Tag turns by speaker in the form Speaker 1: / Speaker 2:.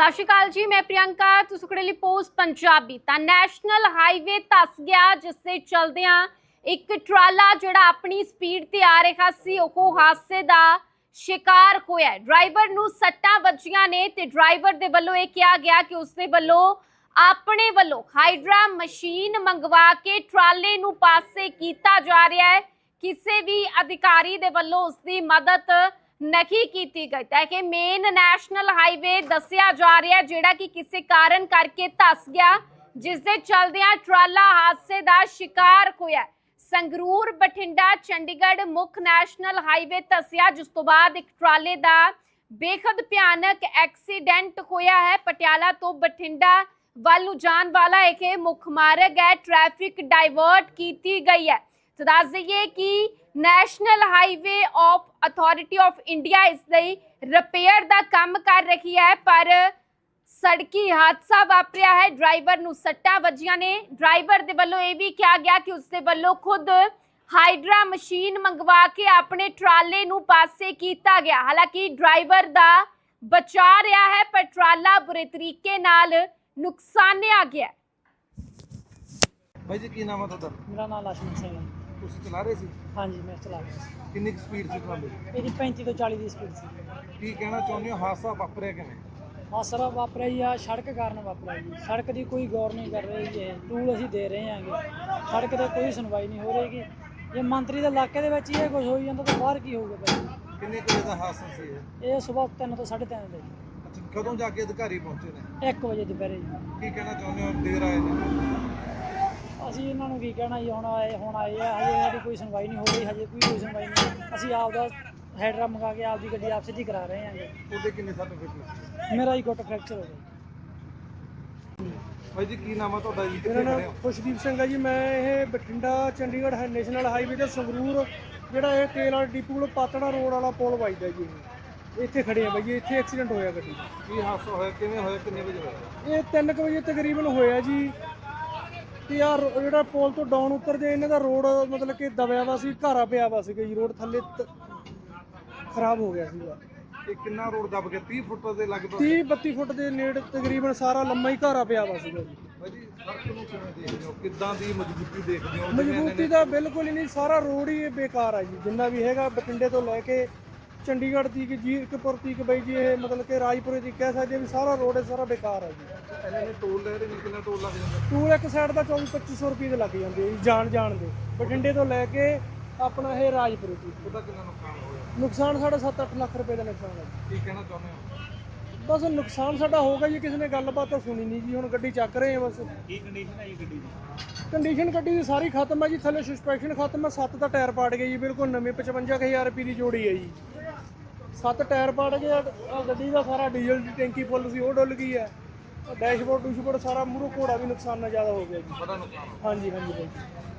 Speaker 1: ਸਤਿ ਸ਼੍ਰੀ ਅਕਾਲ ਜੀ, मैं प्रियंका ਤੁਸੀਂ ਖੜੇ ਲਈ ਪੋਸਟ ਪੰਜਾਬੀ। ਤਾਂ ਨੈਸ਼ਨਲ ਹਾਈਵੇ ਧੱਸ ਗਿਆ, ਜਿਸ ਦੇ ਚਲਦਿਆਂ ਇੱਕ ਟਰਾਲਾ ਜਿਹੜਾ ਆਪਣੀ ਸਪੀਡ ਤੇ ਆ ਰਿਹਾ ਸੀ ਉਹ ਹਾਦਸੇ ਦਾ शिकार होया। ड्राइवर नूं सट्टां वजियां ने ते ड्राइवर दे वल्लों यह कहा गया कि उसदे वल्लों अपने वल्लों हाइड्रा मशीन मंगवा के ट्राले नूं पासे कीता जा रहा है। किसी भी अधिकारी दे वल्लों उसकी मदद नहीं की गई। तो कि मेन नैशनल हाईवे दस्सिया जा रहा है जिहड़ा कि किसी कारण करके धस गया, जिस दे चलदियां ट्राला हादसे का शिकार होया। संगरूर बठिंडा चंडीगढ़ मुख नैशनल हाईवे धसिया, जिस तो बाद एक ट्राले का बेहद भयानक एक्सीडेंट होया है। पटियाला तो बठिंडा वालू जान वाला एक मुख मार्ग है, ट्रैफिक डाइवर्ट की गई है। तो दस दईए कि national highway of authority of India इसलिए रिपेयर का काम कर रही है, पर सड़की हादसा वापरिया है। ड्राइवर नूं सट्टां वजियां ने। ड्राइवर दे वल्लों यह भी कहा गया कि उसके वल्लों खुद हाइड्रा मशीन मंगवा के अपने ट्राले नूं पासे कीता गया। हालांकि ड्राइवर दा बचा रहा है, पर ट्राला बुरे तरीके नाल नुकसानिया गया।
Speaker 2: भाई जी की नाम है तुहाडा?
Speaker 3: मेरा नाम लक्ष्मण सिंह है।
Speaker 2: ਤੁਸੀਂ ਚਲਾ ਰਹੇ ਸੀ?
Speaker 3: हाँ जी मैं चला रहा ਸੀ।
Speaker 2: ਕਿੰਨੀ ਸਪੀਡ ਸੀ ਤੁਹਾਡੀ?
Speaker 3: मेरी 35 ਤੋਂ 40 ਦੀ ਸਪੀਡ ਸੀ।
Speaker 2: ਕੀ ਕਹਿਣਾ ਚਾਹੁੰਦੇ ਹੋ, ਹਾਦਸਾ ਵਾਪਰਿਆ ਕਿਵੇਂ?
Speaker 3: ਹਾਦਸਾ ਵਾਪਰਿਆ ਜੀ ਆ ਸੜਕ ਕਾਰਨ ਵਾਪਰਿਆ ਜੀ। ਸੜਕ ਦੀ ਕੋਈ ਗੌਰ ਨਹੀਂ ਕਰ ਰਹੀ ਜੀ। ਟੂਲ ਅਸੀਂ ਦੇ ਰਹੇ ਹਾਂਗੇ, ਸੜਕ ਤੇ ਕੋਈ ਸੁਣਵਾਈ ਨਹੀਂ ਹੋ ਰਹੀਗੀ। ਜੇ ਮੰਤਰੀ ਦੇ ਇਲਾਕੇ ਦੇ ਵਿੱਚ ਹੀ ਇਹ ਕੁਝ ਹੋਈ ਜਾਂਦਾ ਤਾਂ ਬਾਹਰ ਕੀ ਹੋਊਗਾ ਭਾਈ?
Speaker 2: ਕਿੰਨੇ ਵਜੇ ਦਾ ਹਾਦਸਾ ਸੀ ਇਹ?
Speaker 3: ਇਹ ਸਵੇਰ 3 ਤੋਂ 3:30 ਦੇ ਜੀ।
Speaker 2: ਅੱਛਾ, ਕਦੋਂ ਜਾ ਕੇ ਅਧਿਕਾਰੀ ਪਹੁੰਚੇ ਨੇ?
Speaker 3: 1 ਵਜੇ ਦੁਪਹਿਰੇ ਜੀ।
Speaker 2: ਕੀ ਕਹਿਣਾ ਚਾਹੁੰਦੇ ਹੋ, ਦੇਰ ਆਏ ਨੇ?
Speaker 3: ਅਸੀਂ ਇਹਨਾਂ ਨੂੰ ਕੀ ਕਹਿਣਾ ਜੀ, ਹੁਣ ਆਏ ਆ, ਹਜੇ ਸਾਡੀ ਕੋਈ ਸੁਣਵਾਈ ਨਹੀਂ ਹੋ ਰਹੀ, ਹਜੇ ਕੋਈ ਸੁਣਵਾਈ ਨਹੀਂ। ਅਸੀਂ ਆਪਦਾ ਹੈਡਰਾ ਮੰਗਾ ਕੇ ਆਪਦੀ ਗੱਡੀ ਆਪ ਸਿੱਧੀ ਕਰਾ ਰਹੇ ਹਾਂਗੇ।
Speaker 2: ਉਹਦੇ ਕਿੰਨੇ ਸਰਟੀਫਿਕੇਟ?
Speaker 3: ਮੇਰਾ ਹੀ ਗੁੱਟ ਫ੍ਰੈਕਚਰ ਹੋ ਗਿਆ।
Speaker 2: ਭਾਈ ਜੀ ਕੀ ਨਾਮ ਹੈ ਤੁਹਾਡਾ ਜੀ?
Speaker 4: ਮੇਰਾ ਨਾਮ ਖੁਸ਼ਦੀਪ ਸਿੰਘ ਹੈ ਜੀ। ਮੈਂ ਇਹ ਬਠਿੰਡਾ ਚੰਡੀਗੜ੍ਹ ਨੈਸ਼ਨਲ ਹਾਈਵੇ ਤੇ ਸੰਗਰੂਰ ਜਿਹੜਾ ਇਹ ਤੇਲ ਵਾਲਾ ਡਿਪੂ ਕੋਲ ਪਾਤੜਾ ਰੋਡ ਵਾਲਾ ਪੁਲ ਵੱਜਦਾ ਜੀ, ਇੱਥੇ ਖੜੇ ਆ ਬਾਈ ਜੀ। ਇੱਥੇ ਐਕਸੀਡੈਂਟ ਹੋਇਆ ਗੱਡੀ ਦਾ।
Speaker 2: ਕੀ ਹਾਦਸਾ ਹੋਇਆ, ਕਿਵੇਂ ਹੋਇਆ, ਕਿੰਨੇ ਵਜੇ ਹੋਇਆ?
Speaker 4: ਇਹ 3 ਵਜੇ ਤਕਰੀਬਨ ਹੋਇਆ ਜੀ। ਤੇ ਯਾਰ ਜਿਹੜਾ ਪੁਲ ਤੋਂ ਡਾਊਨ ਉਤਰਦੇ ਇਹਨਾਂ ਦਾ ਰੋਡ ਮਤਲਬ ਕਿ ਦਬਿਆ ਵਾ ਸੀ, ਘਾਰਾ ਪਿਆ ਵਾ ਸੀਗਾ ਜੀ। ਰੋਡ ਥੱਲੇ ਖਰਾਬ ਹੋ ਗਿਆ ਸੀਗਾ।
Speaker 2: ਇਹ ਕਿੰਨਾ ਰੋਡ ਦਬ ਗਿਆ? 30 ਫੁੱਟ ਦੇ ਲਗਭਗ
Speaker 4: 30-32 ਫੁੱਟ ਦੇ ਨੇੜੇ ਤਕਰੀਬਨ ਸਾਰਾ ਲੰਮਾ ਹੀ ਘਾਰਾ ਪਿਆ ਵਾ ਸੀਗਾ ਜੀ।
Speaker 2: ਭਾਈ ਜੀ ਸੜਕ ਨੂੰ ਕਿਵੇਂ ਦੇਖਦੇ ਹੋ, ਕਿੱਦਾਂ ਦੀ ਮਜ਼ਬੂਤੀ ਦੇਖਦੇ ਹੋ?
Speaker 4: ਮਜ਼ਬੂਤੀ ਤਾਂ ਬਿਲਕੁਲ ਹੀ ਨਹੀਂ, ਸਾਰਾ ਰੋਡ ਹੀ ਬੇਕਾਰ ਆ ਜੀ। ਜਿੰਨਾ ਵੀ ਹੈਗਾ ਬਠਿੰਡੇ ਤੋਂ ਲੈ ਕੇ ਚੰਡੀਗੜ੍ਹ ਤੀਕ, ਜੀਰਕਪੁਰ ਤੀਕ ਬਾਈ ਜੀ, ਇਹ ਮਤਲਬ ਕਿ ਰਾਜਪੁਰੇ ਤੀਕ ਕਹਿ ਸਕਦੇ ਵੀ ਸਾਰਾ ਰੋਡ ਹੈ ਸਾਰਾ ਬੇਕਾਰ ਆ ਜੀ।
Speaker 2: ਇਹਨਾਂ ਨੇ ਟੋਲ ਲੈ ਰਹੇ ਨੇ, ਕਿੰਨਾ ਟੋਲ ਲੱਗ ਜਾਂਦਾ?
Speaker 4: ਟੂਲ ਇੱਕ ਸਾਈਡ ਦਾ 24-2500 ਰੁਪਏ ਦੇ ਲੱਗ ਜਾਂਦੇ ਜੀ ਜਾਣ ਦੇ, ਬਠਿੰਡੇ ਤੋਂ ਲੈ ਕੇ ਆਪਣਾ ਇਹ ਰਾਜਪੁਰੇ ਤੀਕ।
Speaker 2: ਉਹਦਾ ਕਿੰਨਾ ਨੁਕਸਾਨ ਹੋਇਆ?
Speaker 4: ਨੁਕਸਾਨ ਸਾਡਾ 7-8 ਲੱਖ ਰੁਪਏ ਦਾ ਨੁਕਸਾਨ ਹੈ ਜੀ।
Speaker 2: ਕੀ ਕਹਿਣਾ ਚਾਹੁੰਦੇ ਹੋ?
Speaker 4: ਬਸ ਨੁਕਸਾਨ ਸਾਡਾ ਹੋਗਾ ਜੀ, ਕਿਸੇ ਨੇ ਗੱਲਬਾਤ ਤਾਂ ਸੁਣੀ ਨਹੀਂ ਜੀ। ਹੁਣ ਗੱਡੀ ਚੱਕ ਰਹੇ ਆ ਬਸ।
Speaker 2: ਕੀ ਕੰਡੀਸ਼ਨ ਹੈ ਜੀ ਗੱਡੀ ਦੀ?
Speaker 4: ਕੰਡੀਸ਼ਨ ਗੱਡੀ ਦੀ ਸਾਰੀ ਖਤਮ ਹੈ ਜੀ। ਥੱਲੇ ਸਸਪੈਂਸ਼ਨ ਖਤਮ ਹੈ, 7 ਦਾ ਟਾਇਰ ਪਾੜ ਗਏ ਜੀ ਬਿਲਕੁਲ ਨਵੇਂ। 55,000 ਰੁਪਏ ਦੀ ਜੋੜੀ ਹੈ ਜੀ। 7 ਟਾਇਰ ਪਾੜ ਗਏ। ਆਹ ਗੱਡੀ ਦਾ ਸਾਰਾ ਡੀਜ਼ਲ ਦੀ ਟੈਂਕੀ ਫੁੱਲ ਸੀ, ਉਹ ਡੁੱਲ ਗਈ ਹੈ। ਡੈਸ਼ਬੋਰਡ ਸਾਰਾ ਮੂਹਰੋਂ ਘੋੜਾ ਵੀ ਨੁਕਸਾਨ ਨਾਲ ਜ਼ਿਆਦਾ ਹੋ ਗਿਆ ਜੀ।
Speaker 2: ਬੜਾ ਨੁਕਸਾਨ ਹੋਇਆ।
Speaker 4: ਹਾਂਜੀ ਬਾਈ।